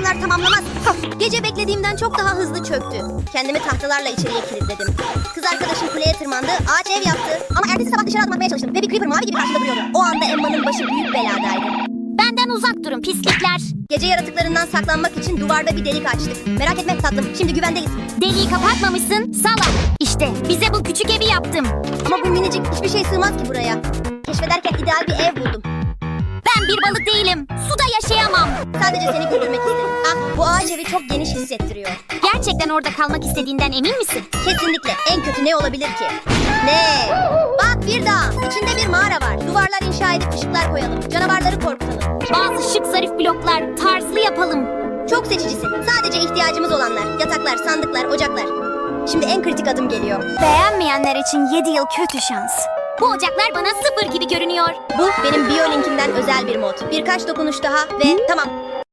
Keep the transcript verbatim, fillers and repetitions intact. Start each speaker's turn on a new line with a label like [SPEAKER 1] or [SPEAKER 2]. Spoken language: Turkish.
[SPEAKER 1] adamlar tamamlamaz. Gece beklediğimden çok daha hızlı çöktü. Kendimi tahtalarla içeriye kilitledim. Kız arkadaşım kuleye tırmandı, ağaç ev yaptı. Ama ertesi sabah dışarı adım atmaya çalıştım ve bir creeper mavi gibi karşımda duruyordu. O anda Emma'nın başı büyük beladaydı.
[SPEAKER 2] Benden uzak durun pislikler.
[SPEAKER 1] Gece yaratıklarından saklanmak için duvarda bir delik açtık. Merak etme tatlım, şimdi güvendeyiz.
[SPEAKER 2] Deliği kapatmamışsın salak. İşte bize bu küçük evi yaptım.
[SPEAKER 1] Ama bu minicik hiçbir şey sığmaz ki buraya. Keşfederken ideal bir ev buldum.
[SPEAKER 2] Ben bir balık değilim. Suda yaşayamam.
[SPEAKER 1] Sadece seni güldürmek istedim. Ah, bu ağaç evi çok geniş hissettiriyor.
[SPEAKER 2] Gerçekten orada kalmak istediğinden emin misin?
[SPEAKER 1] Kesinlikle. En kötü ne olabilir ki? Ne? Bak bir dağ. İçinde bir mağara var. Duvarlar inşa edip ışıklar koyalım. Canavarları korkutalım.
[SPEAKER 2] Bazı şık zarif bloklar tarzlı yapalım.
[SPEAKER 1] Çok seçicisin. Sadece ihtiyacımız olanlar. Yataklar, sandıklar, ocaklar. Şimdi en kritik adım geliyor.
[SPEAKER 2] Beğenmeyenler için yedi yıl kötü şans. Bu ocaklar bana sıfır gibi görünüyor.
[SPEAKER 1] Bu benim biyolinkimden özel bir mod. Birkaç dokunuş daha ve tamam.